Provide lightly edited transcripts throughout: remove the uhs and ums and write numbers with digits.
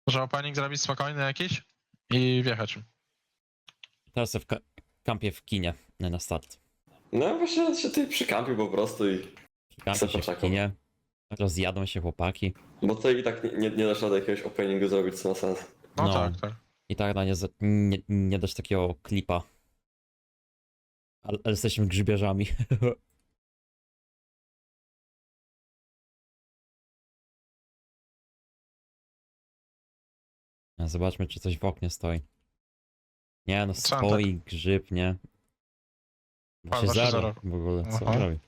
Może opening zrobić spokojny jakiś i wjechać. Teraz w kampie w kinie na start. No właśnie się tutaj przykampił po prostu i... Kampie się w poczekał. kinie. Rozjadą się chłopaki. Bo tutaj i tak nie dasz rady jakiegoś openingu zrobić, co ma sens. No, No. tak, tak. I tak nie dasz takiego klipa. Ale jesteśmy grzybierzami. Zobaczmy, czy coś w oknie stoi. Nie no, Sam stoi grzyb, nie? A, 3-0 2-0. w ogóle, co Aha. on robi?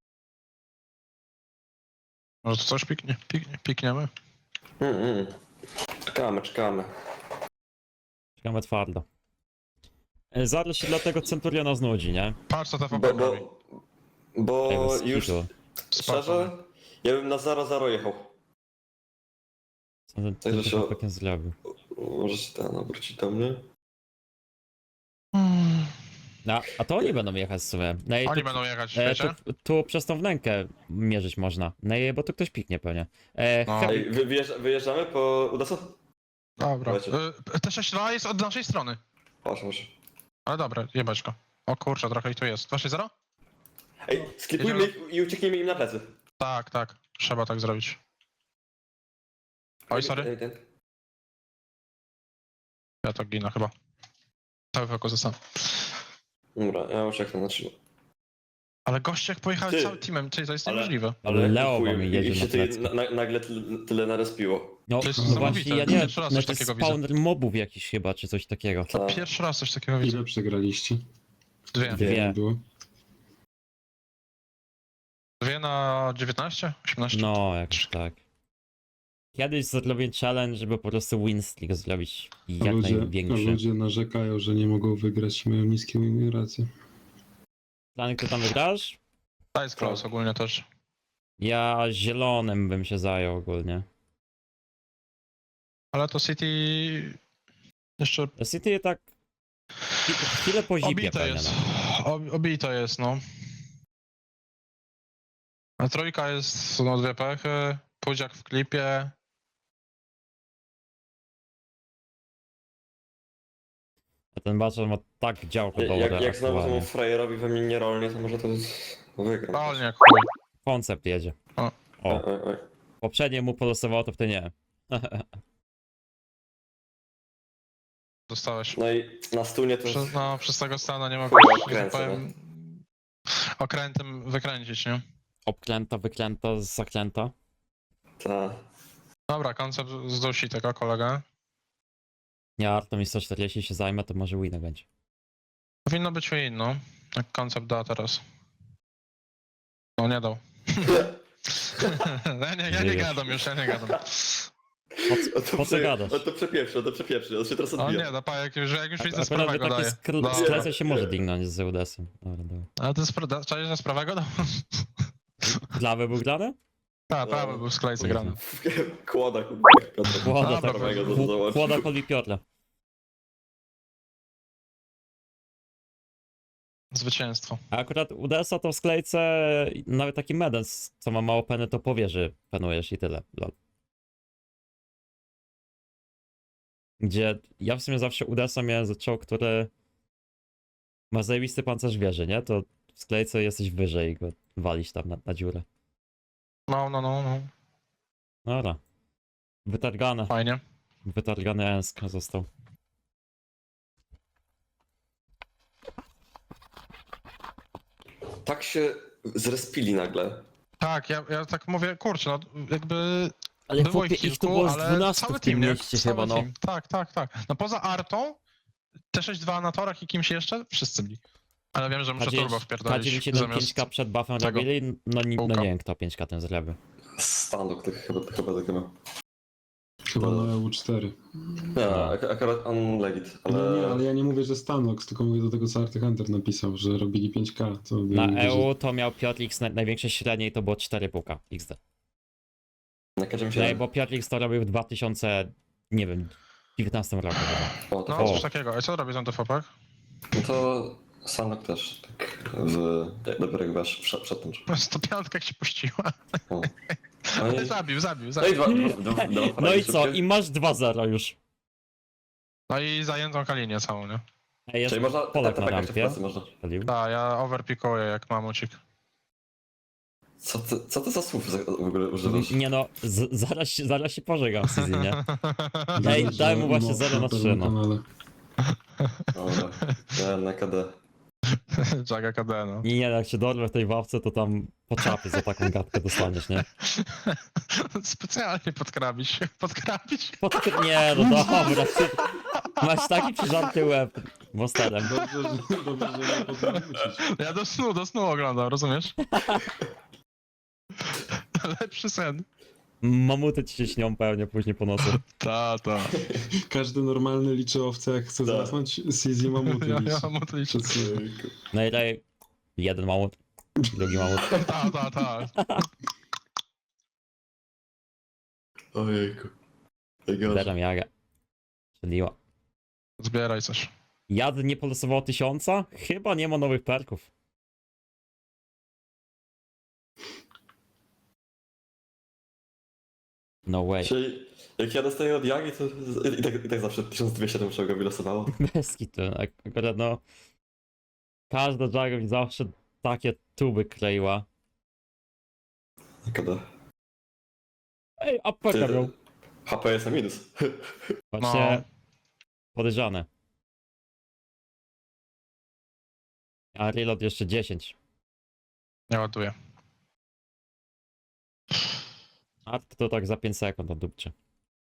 Może to coś pikniemy? Czekamy. Czekamy twardo. Zaraz się dlatego Centuriona znudzi, nie? Patrz co ta Bo, FP robi. bo Bez już kitu. szczerze, ja bym na 0-0 jechał. Co ten Także się- chłopak nie zrobił? Może się ten obrócić do mnie? No, a to oni będą jechać w sumie. No i Oni tu, będą jechać, wiecie? tu przez tą wnękę mierzyć można. No i bo tu ktoś piknie pewnie. No. Heavy- Ej, wyjeżdżamy po Udaso? Dobra. Dawajcie. T6-2 jest od naszej strony. Może. Ale dobra, jebać go. O kurczę, trochę ich tu jest. 2-6-0? Ej, skipujmy ich i uciekniemy im na plecy. Tak, tak. Trzeba tak zrobić. Oj, sorry. Ja tak ginę chyba. Cały fokus został. Dobra, ja ucieknę na 3. Ale goście jak pojechali Ty. całym teamem, czyli to jest Ale- niemożliwe. Ale Leo chuj, wam jedzie ich się na tutaj plecy. nagle tyle narespiło. No, To jest no niesamowite. właśnie, ja nie wiem, Pierwszy raz coś znaczy takiego widzę. spawner mobów jakiś chyba, czy coś takiego. Tak. Pierwszy raz coś takiego widzę. Ile przegraliście? Dwie. Dwie. Było? Dwie na 19? 18? No, jakoś tak. Kiedyś zrobię challenge, żeby po prostu win streak zrobić A jak ludzie, największy. ludzie narzekają, że nie mogą wygrać i mają niskie win racje. Planek, ty tam wygrasz? To jest close ogólnie też. Ja zielonym bym się zajął ogólnie. Ale to City jeszcze City tak chwilę po zipie obite pewnie. jest. No. Obite jest, no. A trójka jest, no, dwie pechy. Pudziak w klipie. A ten Baczer ma tak działko dobre Jak znowu aktualnie. temu frajerowi we mnie nie rolnie, to może to wygram. Realnie jak chuj. Koncept jedzie. O. O, Oj. poprzednie mu polosowało, to w ty nie. Dostałeś. No i na stunie to... Przez tego stana nie Chuj, mogę, że odkręcę, tak powiem, okrętem wykręcić, nie? Obklęta, wyklęta, zaklęta. Ta. Dobra, koncept zdusi tego kolegę. Ja Artem i 140 się zajmę, to może win będzie. Powinno być win, no. Jak koncept da teraz. No nie dał. ja nie gadam już, ja nie gadam. Po co gadasz? To przepieprzy, on się teraz O odbija. nie, da pa, jak już widzę z Akurat prawego taki daje. sklecę się może dignąć z Zeudesem. Dobra, dobra. Ale to jest czaisz, że z prawego dał? Glawy był grany? Tak, prawy był w sklejce grany. Kłoda, Piotr. Kłoda, Dobra, tak. prawego to załatwił. Kłoda Koli Piotra. Zwycięstwo. A akurat UDS-a to w sklejce nawet taki medens, co ma mało peny, to powie, że penujesz i tyle. Lol. Gdzie ja w sumie zawsze UDS-a miałem zaczął, który ma zajebisty pancerz wieży, nie? To w sklejce jesteś wyżej i go walisz tam na dziurę. No. Dobra. Wytargane. Fajnie. Wytargany Ensk został. Tak się zrespili nagle. Tak, ja tak mówię, kurczę, no jakby Ale było chłopie, ich ich tu kilku, było z ale 12 cały w tym team, nie? mieście Cały chyba, no. team. Tak. No poza Artą, T6-2 na torach i kimś jeszcze, wszyscy byli. Ale wiem, że muszę turbo wpierdolić K9 zamiast... 5K przed buffem tego robili, no nie kółka. wiem kto 5K ten zrobił. Standok to chyba tak ma. Chyba na EU4. Nie, akurat on legit, ale... Nie, ale ja nie mówię, że Stanox, tylko mówię do tego, co Arty Hunter napisał, że robili 5K. To ja Na mówię, EU to miał Piotrix największe średnie i to było 4,5K XD. Na każdym No, się... bo Piotrix to robił w 2000, nie wiem, 19 roku chyba. O, to No, O. coś takiego. A co robisz na TVP? No to Standok też, tak dopiero jak wiesz, przed tym. 105 jak się puściła. O. No i, Zabił. no i dwa No i fragi co? szybkie. I masz 2-0 już. No i zajętą kalinię całą, nie? Ej, jest Czyli można, Polak na tak jeszcze w rampie. pracy można. Palił. Tak, ja overpikuję jak mamucik. Co ty za słów w ogóle używasz? Nie no, zaraz się pożegam w Sizzy, nie? Widzę, Ej, że daj mu właśnie mob 0 na na 3, pewnym no. kanale. Dobra, ja na KD. Jaga KD, no. Nie, jak się dorwę w tej ławce, to tam po czapie za taką gadkę dostaniesz, nie? Specjalnie podkrabić. Nie, no dobra, ty masz taki przyżarty łeb monsterem. Dobrze, że nie podwrócić. Ja do snu oglądam, rozumiesz? Lepszy sen. Mamuty ci się śnią pewnie później po nocy. Ta. Każdy normalny liczy owce, jak chce Tak. zasnąć, Sizzy mamuty Ja liczy. mam to liczyć. No i daj jeden mamut, drugi mamut. Ta. Ojejku. Najgorzej. Zbieram jagę. Strzeliła. Zbieraj coś. Jad nie polosował 1000? Chyba nie ma nowych perków. No way. Czyli jak ja dostaję od Jagi, to i tak zawsze 1200 to muszę go wylosowało. Bez kitu. Akurat no... Każda Jaga mi zawsze takie tuby kleiła. KD. Ej, apeka miał. HP jest na minus. Właśnie... Podejrzane. A reload jeszcze 10. Nie ładuję. A to tak za 5 sekund odupcie.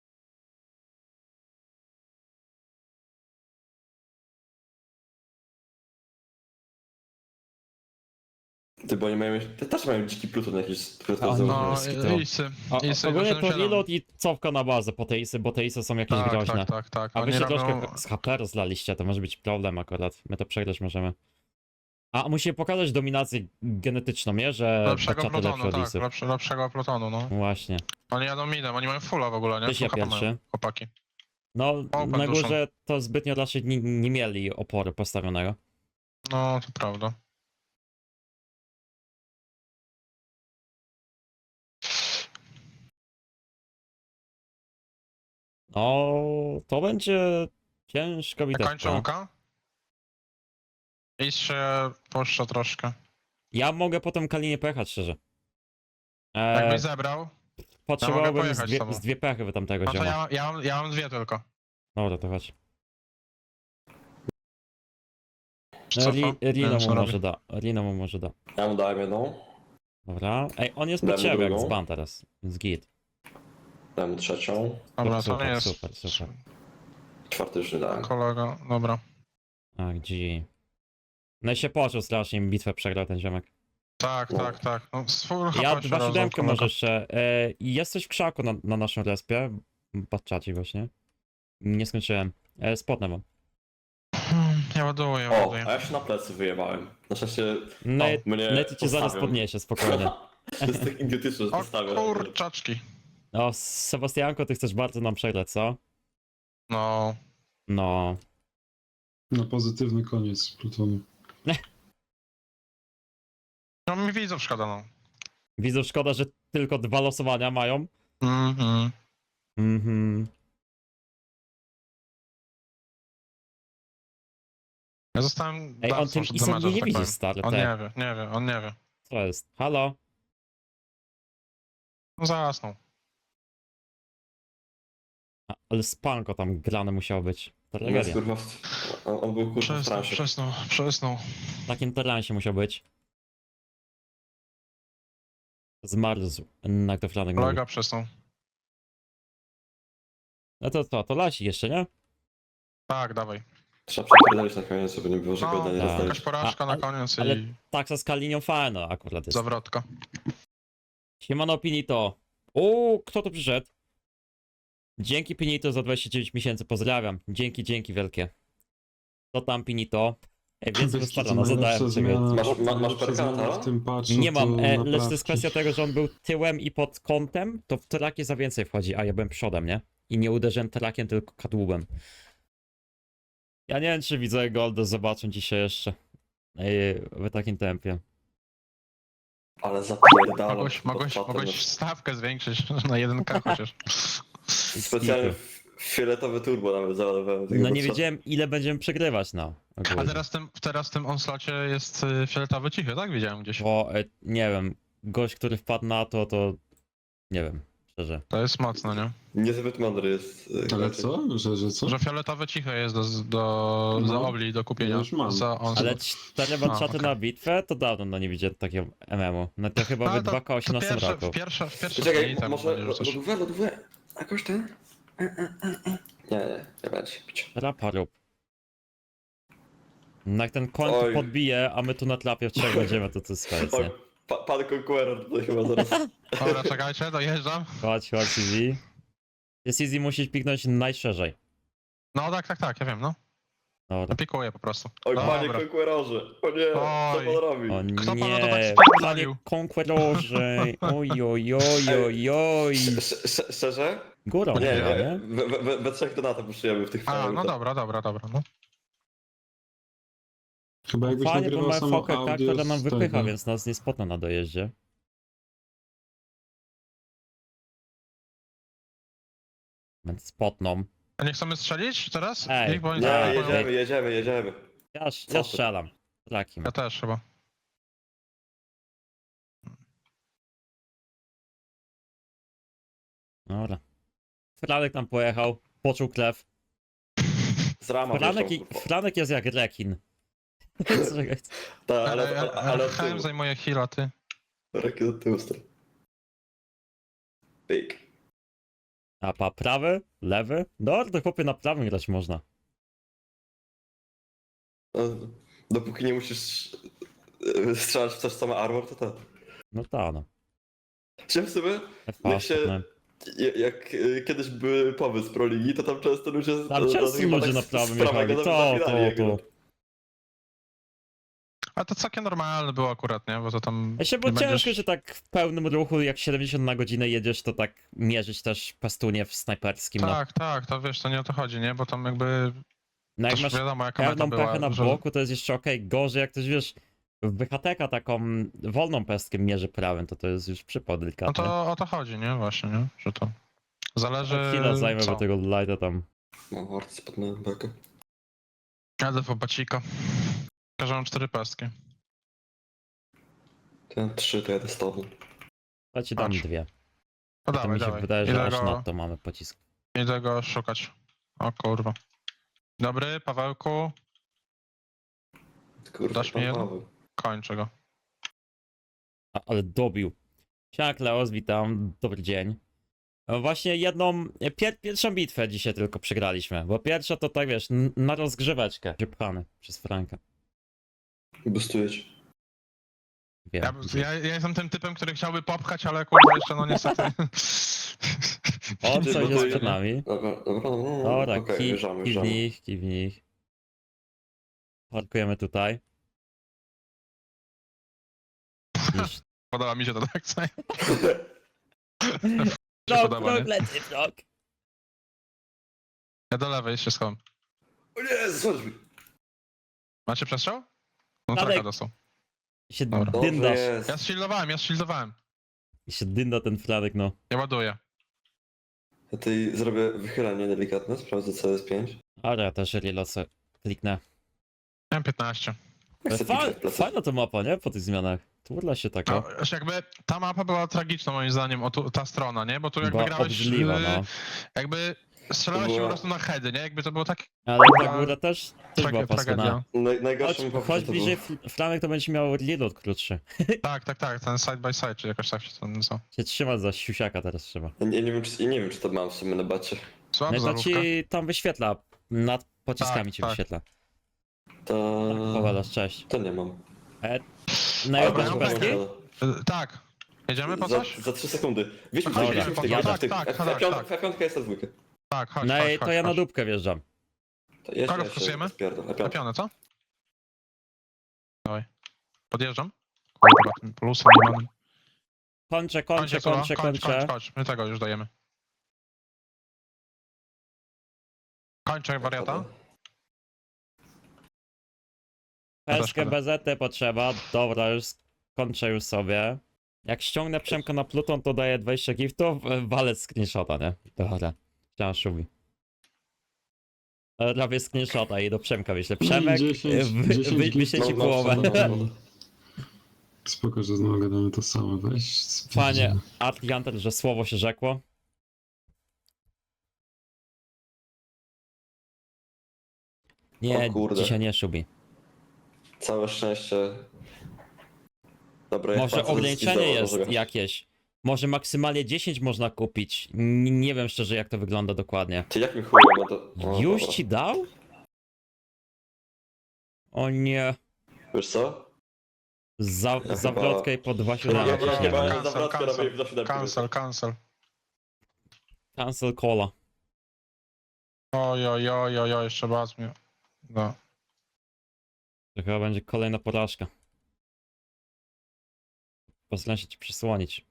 Ty, bo oni mają, te też mają dziki pluton jakiś. No, Polski to- isy. Ogólnie to 87. reload i cofka na bazę po te isy, bo te isy są jakieś groźne. Tak. A wy Oni się robią... troszkę z HP rozlaliście, to może być problem akurat. My to przegrać możemy. A musimy pokazać dominację genetyczną, nie? Że Lepszego baczaty lepsze plutonu, od tak, isów. lepszego plutonu, no. Właśnie. Oni jadą midem, oni mają fulla w ogóle, nie? Tyś ja Full HP pierwszy. mają, chłopaki. No, Open na duszą. górze to zbytnio raczej nie mieli oporu postawionego. No, to prawda. No, to będzie ciężka Kończę bitewka. łuka. Is się puszcza troszkę. Ja mogę potem Kalinie pojechać, szczerze. Jakbyś zebrał, Potrzebowałbym pojechać z z tobą. dwie pechy wy tamtego no to zioma. ja mam dwie tylko. Dobra, to chodź. Co to? Rino Co mu robi? może da. Rino mu może da. Ja mu dałem jedną, Dobra. Ej, on jest Damy pod ciebie jak drugą. dzban teraz. Jest git. dałem mu trzecią, Dobra, to Super, nie jest super. czwarty już nie dałem. kolega, dobra. A, G. No i się poczuł strasznie, im bitwę przegrał ten ziomek. Tak. No, z full Ja HP się 2 rozdał, siódemkę kolega. może jeszcze. Jesteś w krzaku na naszym respie. Patrzacie właśnie. Nie skończyłem. Spotnę wam. Ja ładuję. O, a ja się na plecy wyjebałem. Na szczęście No i mnie no i to cię zaraz postawią. podniesie, spokojnie. To jest tak idiotyczne, że O postawię. kurczaczki. No, Sebastianko, ty chcesz bardzo nam przegrać, co? No, No. Na pozytywny koniec plutonu. no mi widzów szkoda, no. Widzę, szkoda, że tylko 2 losowania mają. Mhm. Mhm. Ja zostałem Ej, on dawcą tym przed Isem damage'em, nie tak widzi, powiem. stary, On te. nie wie. Co jest? Halo? No zasnął. Ale spanko tam grane musiało być. To On jest, tragedia. kurwa, on był kurwa w transie. Przesnął. W takim teransie musiał być. Zmarzł na goflanek. Kolega przesnął. No to co, to lasi jeszcze, nie? Tak, dawaj. Trzeba przepierdolić na koniec, żeby nie było, że No, go nie tak. dostali. jakaś porażka na ale- koniec ale- i Taksa z Kalinią fajna akurat jest. zawrotka. Siemano Pinito. O, kto tu przyszedł? Dzięki Pinito za 29 miesięcy, pozdrawiam. Dzięki wielkie. Co tam Pinito? Więc Wiesz, wystarczona, co zadałem najlepsza ciebie. zmiana- Masz najlepsza perka, zmiana to? w tym patchu Nie mam, to lecz to jest naprawki. kwestia tego, że on był tyłem i pod kątem, to w trakie za więcej wchodzi, a ja byłem przodem, nie? I nie uderzyłem trakiem, tylko kadłubem. Ja nie wiem, czy widzę Golda zobaczą dzisiaj jeszcze w takim tempie. Ale zapierdalam. Mogłeś stawkę zwiększyć na 1K chociaż. Specjalnie fioletowy turbo nawet załadowałem. No nie wiedziałem ile będziemy przegrywać, no. A ogólnie. teraz w tym onslocie jest fioletowy cichy, tak? Widziałem gdzieś. Bo nie wiem, gość, który wpadł na to nie wiem, szczerze. To jest mocno, nie? Niezbyt mądry jest. Ale Kraken. co? Że co? Że fioletowe ciche jest za No. obli do kupienia. Ja już mam. Za onslaught. Ale 4 one-shoty okej. na bitwę to dawno no nie widziałem takiego MMO. No to chyba Ale w to 2K18 roku. w pierwsze Czekaj, dni temu może będzie rzucać. lodówę? Jakoś ten? Nie będzie pić. Rapa rób. No jak ten koń Oj. tu podbije, a my tu na trapie w trzech będziemy, to jest fajnie. Oj, pan Conqueror tutaj chyba zaraz. Dobra, czekajcie, dojeżdżam. Chodź, Easy. Jest Easy, musisz piknąć najszerzej. No tak, ja wiem, no. Dobra. Pikuję po prostu. Oj, panie Dobra. Conquerorze. O nie, co Oj. pan robi? O Kto panu to tak nie, spierdolił? panie Conquerorze, oj, oj, oj, oj, oj. Szczerze? Górą Nie, chyba, nie, nie? we trzech to na to puszujemy w tych A, fajnych. no dobra, no. Chyba jakbyś Fajnie, bo nagrywał mamy samo fokę, audio która nam z wypycha, tego. więc nas nie spotną na dojeździe. Więc spotną. A nie chcemy strzelić teraz? Ej, Ich, bo oni Nie, zaraz poją- jedziemy. Ja Co ty? strzelam. Takim. Ja też chyba. Dobra. Franek tam pojechał, poczuł krew. Z rama Franek jest jak rekin. Czekaj. Tak, ale od HM tyłu. zajmuje heal, a ty. Rakiet od tyłu stoi. Pyk. A prawy? Lewy? No, to chłopie na prawym grać można. No, dopóki nie musisz strzelać w coś, co ma armor, to tak. No ta no. Czy w sumie, FA, jak się, jak kiedyś były powy z Pro Ligi, to tam często ludzie... Tam często chyba ludzie tak na z prawym prawego jechali. zabierali jego. A to całkiem normalne było akurat, nie? Bo to tam... Ja się, bo nie ciężko, będziesz- że tak w pełnym ruchu, jak 70 na godzinę jedziesz, to tak mierzyć też pastunie w snajperskim. No, Tak, to wiesz, to nie o to chodzi, nie? Bo tam jakby... no jak Też masz wiadomo, jaka meta pełną była, pechę na że- boku, to jest jeszcze okej. Gorzej, jak ktoś wiesz, w BHTK taką wolną pestkę mierzy prawym, to jest już przypał No delikatny. to o to chodzi, nie? Właśnie, nie? Że to... Zależy... Chwilę zajmę, co. bo tego lighta tam. Mam arty spadnę bekę. Jadę w bacika. Każą 4 pestki. Ten 3 to jadę z tobą. To ci dam Patrz. dwie. No To mi się wydaje, że aż na to mamy pocisk. Idę go szukać. O kurwa. Dobry, Pawełku. Kurwa, Dasz mi pan jedno? Paweł. Kończę go. Ale dobił. Siema Kleos, witam, dobry dzień. Właśnie jedną, pierwszą bitwę dzisiaj tylko przegraliśmy, bo pierwsza to tak wiesz, na rozgrzeweczkę. Pchany przez Franka. Boostuję cię. Wiem. Ja jestem tym typem, który chciałby popchać, ale kurwa jeszcze no niestety. On Ty, coś bo to jest jest- przed nami. Dobra, no. Dobra, Okej, wjeżdżamy. kij w nich. Parkujemy tutaj. Niż... Podoba mi się to tak, co? Frog, podoba, nie? lecę, frog. Ja do lewej się schowam. O nie, zobacz mi. Macie przestrzał? No Dalej. traka dostał. I się Dobra. Dobrze dyndasz. jest. Ja shieldowałem. I się dynda ten Franek, no. Ja ładuję. Ja tutaj zrobię wychylenie delikatne, sprawdzę co jest 5. Ale ja też reload sobie kliknę. Miałem 15. Jak chcę pikać plecy. Fajna to mapa, nie? Po tych zmianach. Turla się taka. No, już jakby ta mapa była tragiczna moim zdaniem, ta strona, nie? Bo tu jakby Była grałeś, obrzydliwa, no. jakby strzelałeś się Była- po prostu na heady, nie? Jakby to było tak Ale ta góra też była paskudna. tragedia. Najgorsze mi Chodź bliżej Franek, to będzie miał reload krótszy. Tak, ten side by side, czy jakoś tak się to nazywa. Się trzymać za siusiaka teraz trzeba. Ja nie wiem czy to mam w sumie na bacie. No Słaba i to zarówka. ci tam wyświetla. Nad pociskami Tak, ci tak. wyświetla. To... Powiadasz, cześć. To nie mam. Na Dobra, jedną ja pestki? Tak. Jedziemy po coś? Za 3 sekundy. Wieźmy Dobra, F5 jest na dwójkę. Tak, chodź, No i chodź, to ja na chodź. dupkę wjeżdżam. To jeszcze, Kogo jeszcze wkusujemy? spierdol. Na F5. pionę, co? Dawaj. Podjeżdżam. Kurwa, tym plusem nie mam. Kończę. Kończ. My tego już dajemy. Kończę wariata. Pestkę szkoda. BZT potrzeba. Dobra, już kończę już sobie. Jak ściągnę Przemka na Pluton, to daję 20 giftów, walec screenshota, nie? Dobra, chciałem szubi. Robię screenshota i do Przemka wyślę. Przemek, 10 wyślę ci No, połowę. no. Spoko, że znowu gadamy to samo, weź. Panie, Hunter, że słowo się rzekło. Nie, O kurde. dzisiaj nie szubi. Całe szczęście. Dobra, jak Może pan co ograniczenie zdecydował, jest może- jakieś. Może maksymalnie 10 można kupić. Nie wiem szczerze jak to wygląda dokładnie. Ty jak mi chuj, no to... No, Już dobra. ci dał? O nie. Wiesz co? Ja Zawrotkę i po 2,7. Ja chyba Cancel, zawrotkę cancel. robię w 2,7. Cancel. Cancel cola. Oj, jeszcze baz mnie. No. To chyba będzie kolejna porażka. Postaram się ci przysłonić.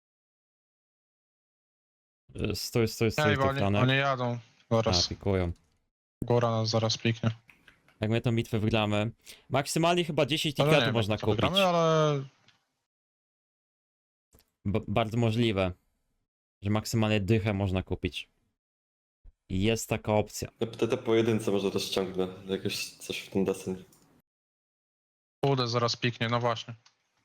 Stój, Ej, bo ty oni Franek. jadą. A, Zaraz. pikują. Góra nas zaraz piknie. Jak my tą bitwę wygramy. Maksymalnie chyba 10 Ale nie tiketów wiem, można jak to kupić. wygramy, ale Bardzo możliwe, że maksymalnie dychę można kupić. I jest taka opcja. Te pojedynce może też ściągnę. Jakieś coś w ten deseń. Udę zaraz piknie, no właśnie.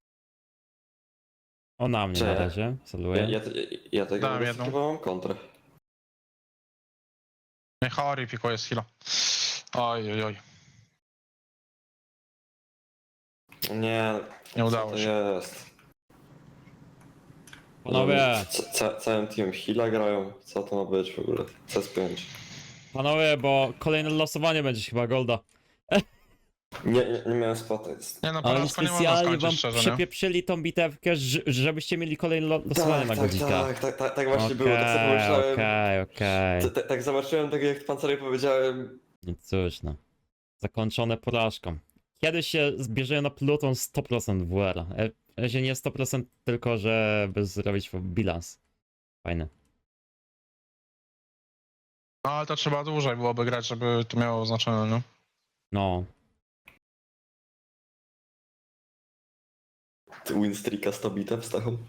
O, na mnie Cze- na razie. Saluję. Ja tego Dałem nie jedną. chyba mam kontrę. Nie, Hori pikuje z heal'a. Oj. Nie udało co to się. jest. Panowie, Całym teamem Hila grają. Co to ma być w ogóle? CS5. panowie, bo kolejne losowanie będzie chyba Golda. Nie miałem spota. Jest. Nie no, Ale porażka nie można specjalnie wam skończyć szczerze, nie? przepieprzyli tą bitewkę, żebyście mieli kolejne losowanie na Godzika. Tak właśnie było. Tak sobie pomyślałem. Okej. Tak zobaczyłem, tak jak pan Cerej powiedziałem. No cóż no. Zakończone porażką. Kiedy się zbierze na Pluton 100% WR. W razie nie 100%, tylko żeby zrobić bilans. Fajne. No ale to trzeba dłużej byłoby grać, żeby to miało znaczenie, no. No. Winstreaka 100 bitew z taką.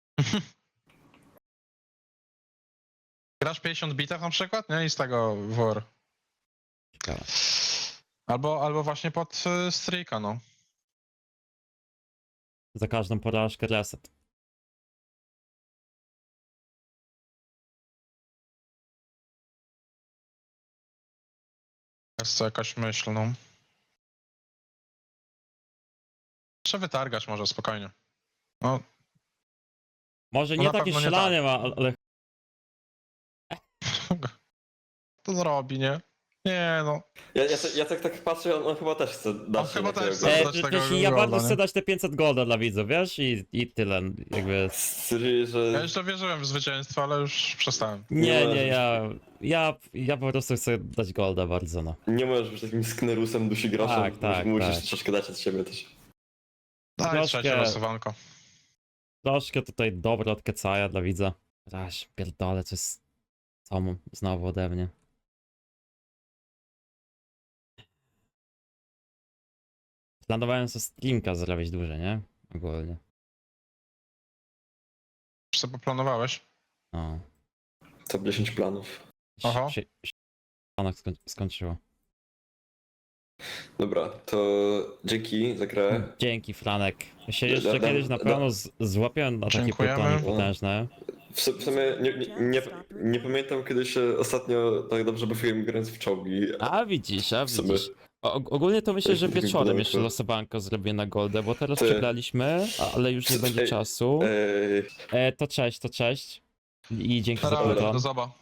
Grasz 50 bitew na przykład, nie? I z tego WR. Ciekawe. Albo właśnie pod streaka, no. Za każdą porażkę reset. Jest to jakaś myśl, no. Trzeba wytargać może spokojnie. No, Może No nie na takie pewno nie strzelanie ma, ale to zrobi, nie? Nie no. Ja tak patrzę, on chyba też chce dać. On chyba też takiego chce. gola. dać tego ja golda, bardzo nie? chcę dać te 500 golda dla widzów, wiesz? I tyle, jakby... Czyli, Ja że... jeszcze wierzyłem w zwycięstwo, ale już przestałem. Nie, możesz ja po prostu chcę dać golda bardzo, no. Nie możesz być takim sknerusem dusi grosza. Tak, musisz tak. troszkę dać od siebie też. Daj Troszkę- trzecie losowanko. Troszkę tutaj dobro od Kecaja dla widza. Raś, pierdolę, co jest... Co znowu ode mnie. Planowałem sobie streamka zrobić dłużej, nie? Ogólnie. Już sobie poplanowałeś? No. Top 10 planów. Oho. Panak skończyło. Dobra, to dzięki za grę. Dzięki, Franek. Ja się jeszcze Da- kiedyś na da- pewno złapię na takie Dziękujemy. pytanie potężne. W sumie nie pamiętam kiedy się ostatnio tak dobrze bawiłem grając w czołgi. A sumie. widzisz. Ogólnie to myślę, że Tak, tak wieczorem było, jeszcze to- losowanko zrobię na Goldę, bo teraz Ty. przegraliśmy, ale już nie będzie Ej, czasu. Ej, To cześć. I dzięki za Dobra, to. do zoba.